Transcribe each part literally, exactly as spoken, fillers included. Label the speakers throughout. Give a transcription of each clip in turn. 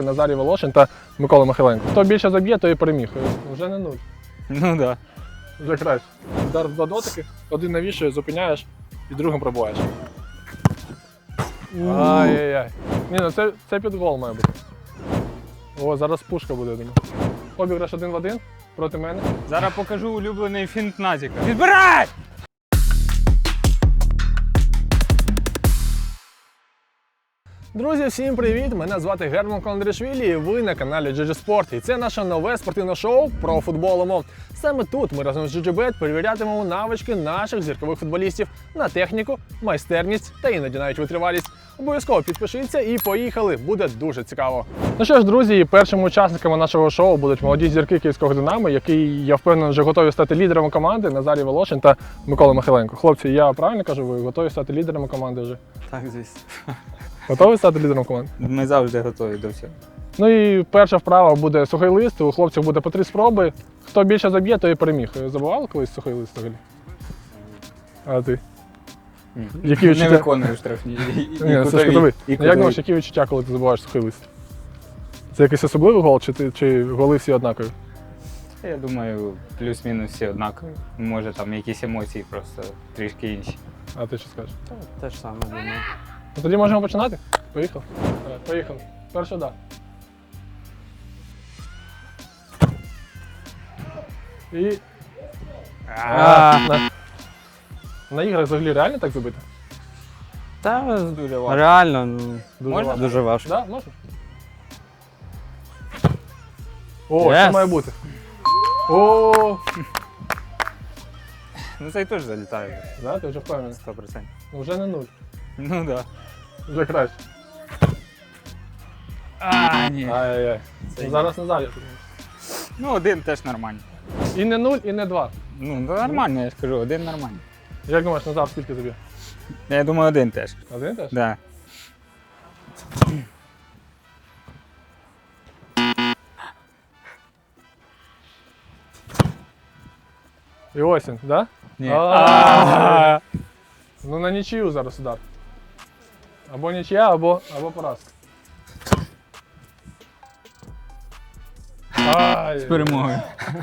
Speaker 1: Назарій Волошин та Микола Михайленко. Хто більше заб'є, той і переміг. Вже не нуль.
Speaker 2: Ну так. Да.
Speaker 1: Вже краще. Удар в два дотики, один навішує, зупиняєш і другим пробуваєш. Ай-яй-яй. Ні, ну це, це під гол має бути. О, зараз пушка буде, я думаю. Обіграш один в один проти мене.
Speaker 2: Зараз покажу улюблений фінт Назіка. Відбирай!
Speaker 1: Друзі, всім привіт! Мене звати Герман Кондрашвілі і ви на каналі джі джі Sport. І це наше нове спортивне шоу про футбол. Саме тут ми разом з джі джі бет перевірятимемо навички наших зіркових футболістів на техніку, майстерність та іноді навіть витривалість. Обов'язково підпишіться і поїхали, буде дуже цікаво. Ну що ж, друзі, першими учасниками нашого шоу будуть молоді зірки Київського Динамо, які, я впевнений, вже готові стати лідерами команди, Назарій Волошин та Микола Михайленко. Хлопці, я правильно кажу, ви готові стати лідерами команди вже?
Speaker 2: Так, звісно.
Speaker 1: Готові стати лідером команди?
Speaker 2: Ми завжди готові до всього.
Speaker 1: Ну і перша вправа буде сухий лист, у хлопців буде по три спроби. Хто більше заб'є, той і переміг. Забували колись сухий лист взагалі? А ти?
Speaker 2: Ні.
Speaker 1: Які відчуття?
Speaker 2: Не виконую штрафні. І,
Speaker 1: Ні,
Speaker 2: і
Speaker 1: це ж кутовий.
Speaker 2: і
Speaker 1: Як
Speaker 2: кутові.
Speaker 1: думаєш, які відчуття, коли ти забуваєш сухий лист? Це якийсь особливий гол, чи, ти, чи голи всі однакові?
Speaker 2: Я думаю, плюс-мінус всі однакові. Може там якісь емоції просто трішки інші.
Speaker 1: А ти що скажеш?
Speaker 3: Те ж саме думаю.
Speaker 1: Ну тоді можемо починати? Поїхали. Давай, поїхали. Перший удар. І... А, на... на іграх взагалі реально так забити?
Speaker 3: Та
Speaker 2: Дуже важко.
Speaker 3: реально, ну,
Speaker 1: Дуже
Speaker 2: Можна?
Speaker 1: важко.
Speaker 3: дуже важко.
Speaker 1: Да, можна? О,
Speaker 3: Yes.
Speaker 1: це має бути. О,
Speaker 2: Ну цей теж залітає.
Speaker 1: да, ти вже впевнений.
Speaker 2: сто відсотків.
Speaker 1: Ну, вже не нуль.
Speaker 2: Ну так. Да.
Speaker 1: Вже краще.
Speaker 2: А, ні.
Speaker 1: Ай-яй-яй.
Speaker 2: Це
Speaker 1: Ну, зараз Назарій.
Speaker 2: Ну один теж нормально.
Speaker 1: І не нуль, і не два.
Speaker 2: Ну нормально, я ж кажу, один нормально.
Speaker 1: Як думаєш, Назар скільки тобі?
Speaker 2: Я думаю, один теж.
Speaker 1: Один теж?
Speaker 2: Да.
Speaker 1: І осінь, да?
Speaker 2: Ні.
Speaker 1: А. Ну на нічию зараз удар. Або нічия, або, або поразка. Ай.
Speaker 2: З перемогою.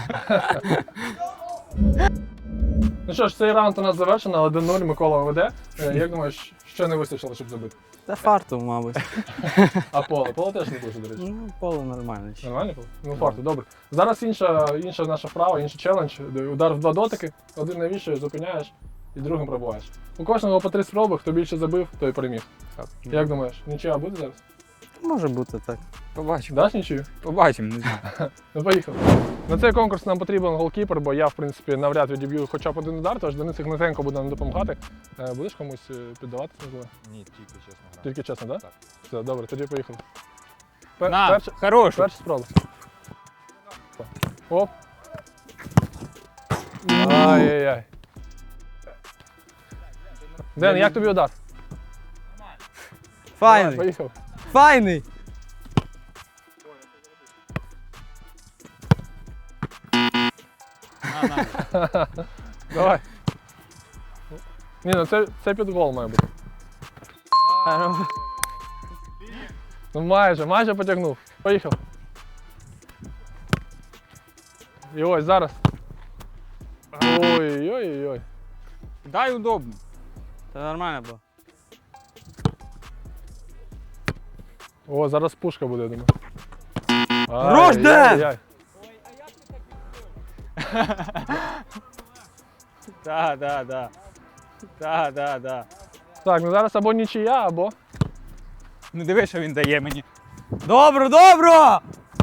Speaker 1: Ну що ж, цей раунд у нас завершено, один нуль, Микола веде. Е, Як думаєш, що не вистачило, щоб забити?
Speaker 3: Та фарту, мабуть.
Speaker 1: А поле? Поле теж не дуже, до речі.
Speaker 3: Ну, поле нормально. ще.
Speaker 1: Нормально поле? Ну, фарту, добре. Зараз інша, інша наша вправа, інший челендж. Удар в два дотики, один навішуєш, зупиняєш і другим пробуваєш. У кожного по три спроби, хто більше забив, той переміг. Як думаєш, нічия буде зараз?
Speaker 3: Може бути так.
Speaker 2: Побачимо.
Speaker 1: Даш нічию?
Speaker 2: Побачимо, не знаю.
Speaker 1: Ну, поїхали. На цей конкурс нам потрібен голкіпер, бо я, в принципі, навряд відіб'ю хоча б один удар, тож Денис Ігнатенко буде нам допомагати. Е, Будеш комусь е, піддавати, можливо?
Speaker 4: Ні, тільки чесно грати.
Speaker 1: Тільки чесно, так?
Speaker 4: Так.
Speaker 1: Все, добре, тоді поїхали. Пер-
Speaker 2: На,
Speaker 1: перша,
Speaker 2: хорошу.
Speaker 1: перша спроба. Оп. Ай-яй-яй. Ден, як тобі удар? Давай,
Speaker 3: Файний!
Speaker 1: поїхав.
Speaker 3: Файний!
Speaker 2: На, на.
Speaker 1: Давай. Ні, ну це, це під гол має бути. Ну майже, майже потягнув. Поїхав. І ось зараз. Ой-ой-ой.
Speaker 2: Дай удобно.
Speaker 3: Та нормально було.
Speaker 1: О, зараз пушка буде, я думаю.
Speaker 3: Хорош, Ден!
Speaker 1: Ай-яй-яй.
Speaker 2: Так, так, так. Так, так, так.
Speaker 1: Так, ну зараз або нічия, або...
Speaker 2: Ну диви, що він дає мені.
Speaker 3: Добро, добро!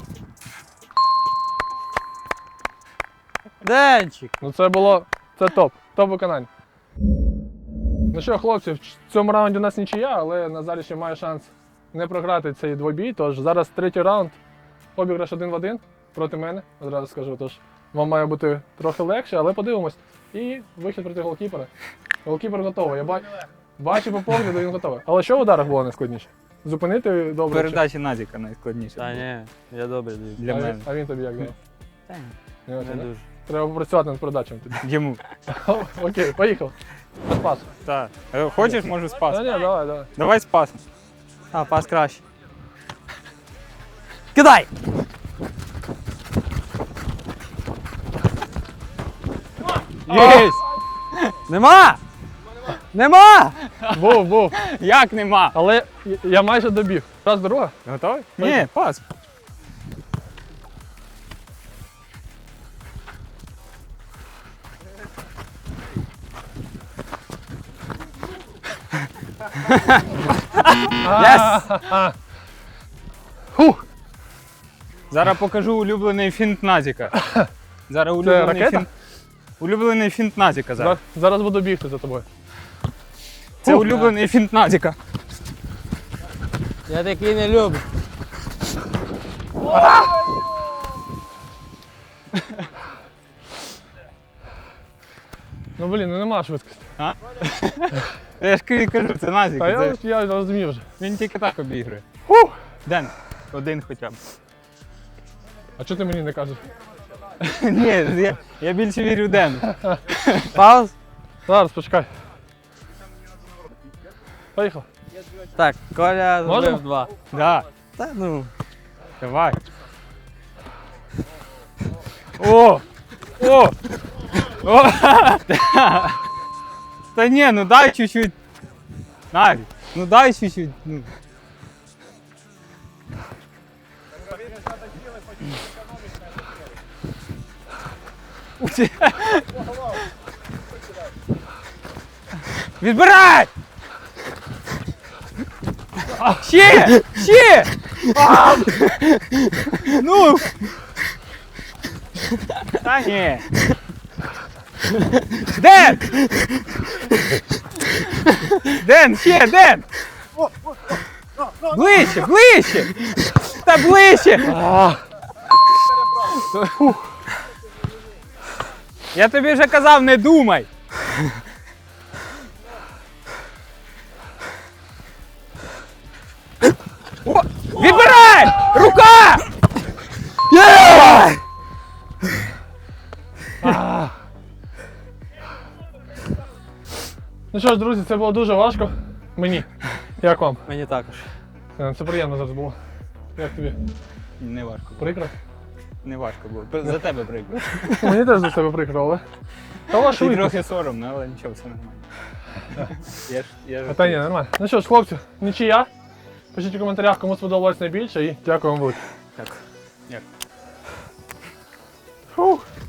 Speaker 3: Денчик!
Speaker 1: Ну це було... Це топ. Топ виконання. Ну що, хлопці, в цьому раунді у нас нічия, але Назарій ще має шанс не програти цей двобій. Тож зараз третій раунд. Обіграш один в один проти мене, одразу скажу. Тож вам має бути трохи легше, але подивимось. І вихід проти голкіпера. Голкіпер готовий. Я ба... бачу по погляду, він готовий. Але що в ударах було найскладніше? Зупинити добре? чи-
Speaker 2: Передачі Назіка найскладніше.
Speaker 3: Та ні, я добре даю.
Speaker 2: Для
Speaker 1: а,
Speaker 2: мене.
Speaker 1: він, а він тобі як давав?
Speaker 3: Та ні,
Speaker 1: Не очень,
Speaker 3: не
Speaker 1: да?
Speaker 3: дуже.
Speaker 1: Треба попрацювати над передачами тобі.
Speaker 2: Йому.
Speaker 1: Окей, поїхав. Без пасу.
Speaker 2: Так. Е, Хочеш, можу з
Speaker 1: Та
Speaker 2: пасом.
Speaker 1: ні, давай, давай.
Speaker 2: Давай з пасом.
Speaker 3: А, пас краще. Кидай!
Speaker 2: Єсть!
Speaker 3: Нема! Нема!
Speaker 1: Був, був.
Speaker 2: Як нема?
Speaker 1: Але я- я майже добіг. Раз, друга.
Speaker 2: Готовий? Ні, пас.
Speaker 1: Єс! Фух.
Speaker 2: Зараз покажу улюблений фінт Назіка. Зараз улюблений
Speaker 1: ракета?
Speaker 2: фінт. Улюблений фінт Назіка зараз.
Speaker 1: Зараз, зараз буду бігти за тобою.
Speaker 2: Це
Speaker 1: Фух.
Speaker 2: улюблений фінт Назіка.
Speaker 3: Я такий не люблю.
Speaker 1: Ну блін, ну нема швидкості.
Speaker 2: Я ж ки- кажу, це Назік.
Speaker 1: Та
Speaker 2: це-
Speaker 1: я, я розумів вже.
Speaker 2: Він тільки так обігрує.
Speaker 1: Фух.
Speaker 2: Ден, один хоча б.
Speaker 1: А чого ти мені не кажеш?
Speaker 2: Ні, я, я більше вірю Дену.
Speaker 3: Пауз.
Speaker 1: Зараз, почекай. Поїхав.
Speaker 3: Так, Коля
Speaker 1: Можемо?
Speaker 3: зробив два.
Speaker 2: Да,
Speaker 3: Та ну.
Speaker 2: давай. О! О! О! Та ні, ну дай чуть-чуть. Навіть, ну дай чуть-чуть. Ну. Відбирай! Ще! Ще! А! Ну! Та ні! Ден! Ден, ще, Ден! Ближче, ближче! Та ближче! Я тобі вже казав, не думай! О, відбирай! Рука!
Speaker 1: Ну що ж, друзі, це було дуже важко. Мені. Як вам?
Speaker 3: Мені також.
Speaker 1: Е, Це приємно зараз було. Як тобі?
Speaker 2: Не важко.
Speaker 1: Прикро?
Speaker 2: Не важко було. За тебе прикро.
Speaker 1: Мені теж за себе прикро, але. Та ваш
Speaker 2: Ти
Speaker 1: швидкість.
Speaker 2: трохи соромно, але нічого, все нормально. Я ж, я ж
Speaker 1: А та ні, нормально. Ну що ж, хлопці, нічия. Пишіть у коментарях, кому сподобалось найбільше і дякую вам велике.
Speaker 2: Так. Як?
Speaker 1: Фух.